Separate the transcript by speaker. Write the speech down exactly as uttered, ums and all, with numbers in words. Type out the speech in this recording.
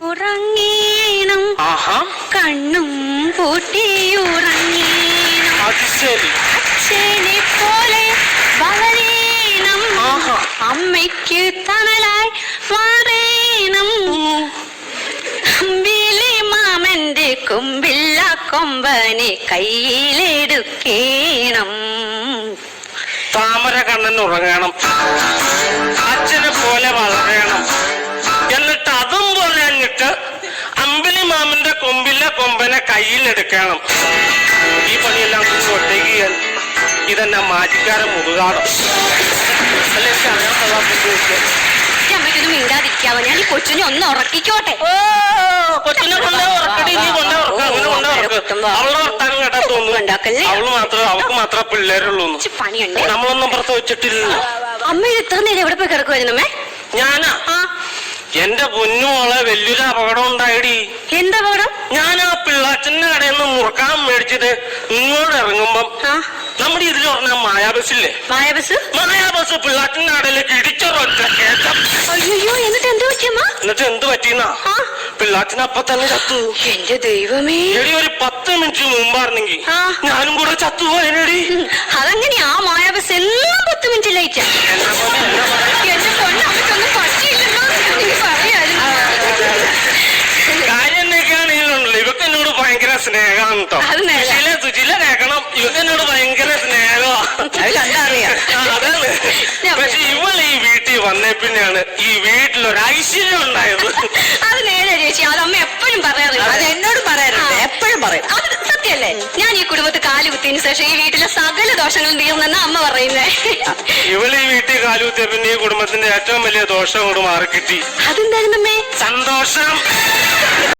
Speaker 1: ഉറങ്ങീണം കണ്ണും പൂട്ടിയുറങ്ങീണം അച്ഛനെ പോലെ വളരീണം അമ്മയ്ക്ക് തണലായി മാറേണം അമ്പിളി മാമന്റെ കൊമ്പില്ല കൊമ്പനെ കയ്യിലെടുക്കേണം.
Speaker 2: താമര കണ്ണൻ ഉറങ്ങണം, അച്ഛനെ പോലെ വളരണം, എന്നിട്ട് അതും പോലെ എന്നിട്ട് അമ്പിളി മാമന്റെ കൊമ്പില്ല കൊമ്പനെ കയ്യിലെടുക്കണം. ഈ പണിയെല്ലാം ഒറ്റയ്ക്ക് ചെയ്യാൻ ഇതെന്നാ മാറ്റിക്കാരൻ മുതുകാടം അല്ലെ?
Speaker 1: അമ്മയ്ക്കൊന്നും മിണ്ടാതിരിക്കാവോ? ഞാൻ ഈ കൊച്ചിനെ ഒന്ന് ഉറക്കിക്കോട്ടെ.
Speaker 2: ഓ കൊച്ചിനെ കൊണ്ടേ ഉറക്കടി, നീ കൊണ്ടേ ഉറക്ക, അങ്ങനെ കൊണ്ടേ ഉറക്ക. അവളുടെ വർത്താനം കേട്ടാ തോന്നുന്നു അവള് മാത്രം അവൾക്ക് മാത്രമേ പിള്ളേരുള്ളൂ.
Speaker 1: പണിയുണ്ട്,
Speaker 2: നമ്മളൊന്നും പ്രസവിച്ചിട്ടില്ല.
Speaker 1: അമ്മ ഇത് ഇത്ര നേരം എവിടെ പോയി കിടക്കുവായിരുന്നമ്മേ?
Speaker 2: ഞാനാ എന്റെ പൊന്നുമോളെ വലിയൊരു അപകടം ഉണ്ടായിടി.
Speaker 1: എന്താ അപകടം? ഞാൻ
Speaker 2: ആ പിള്ളാച്ചന്റെ കടയിൽ നിന്ന് മുറുക്കാൻ മേടിച്ചത് ഇങ്ങോട്ട് ഇറങ്ങുമ്പം നമ്മുടെ ഇതിൽ പറഞ്ഞ മായാബസില്ലേ,
Speaker 1: മായാബസ്
Speaker 2: മായാബസ് പിള്ളാച്ചന്റെ കടയിലേക്ക് ഇടിച്ചൊരൊറ്റ കേട്ടം.
Speaker 1: അയ്യോ, എന്നിട്ട് എന്ത് പറ്റിയമ്മ?
Speaker 2: എന്നിട്ട് എന്ത് പറ്റിയെന്നാ, പിള്ളാച്ചന് അപ്പൊ തന്നെ ചത്തു.
Speaker 1: എന്റെ ദൈവമേ,
Speaker 2: എടി ഒരു പത്ത് മിനിറ്റ് മുമ്പായിരുന്നെങ്കിൽ ഞാനും കൂടെ ചത്തുപോയനടി.
Speaker 1: അതെങ്ങനെയാ ആ മായാബസ് എല്ലാം പത്ത് മിനിറ്റ് ലേറ്റ്? എന്റെ പൊന്നമ്മയ്ക്കൊന്നും പറ്റിയില്ലല്ലോ, പറയായിരുന്നു.
Speaker 2: കാര്യം എന്നൊക്കെയാണെങ്കിലുണ്ടല്ലോ ഇവക്ക് എന്നോട് ഭയങ്കര സ്നേഹമാണ് കേട്ടോ. സുശീല സുശീല കേക്കണം, ഇവക്ക് എന്നോട് ഭയങ്കര സ്നേഹമാണ്. അതാണ്. പക്ഷെ ഇവൾ ഈ വീട്ടിൽ വന്നേ പിന്നെയാണ് ഈ വീട്ടിലൊരു ഐശ്വര്യം ഉണ്ടായത്.
Speaker 1: അത് നേരെ ചേച്ചി, അത് അമ്മ എപ്പോഴും പറയാറില്ല.
Speaker 3: അത് എന്നോട് പറയാറുണ്ട്, എപ്പോഴും പറയും.
Speaker 1: അത് സത്യല്ലേ? ഞാൻ ഈ കുടുംബത്തിൽ കാലുകുത്തിയതിനു ശേഷം ഈ വീട്ടിലെ സകല ദോഷങ്ങളും തീർന്നെന്നാ അമ്മ പറയുന്നേ.
Speaker 2: ഇവള് ഈ വീട്ടിൽ കാലുകുത്തിയ പിന്നെ ഈ കുടുംബത്തിന്റെ ഏറ്റവും വലിയ ദോഷം കൊണ്ട് മാറിക്കിട്ടി.
Speaker 1: അതെന്തായിരുന്നമ്മേ?
Speaker 2: സന്തോഷം.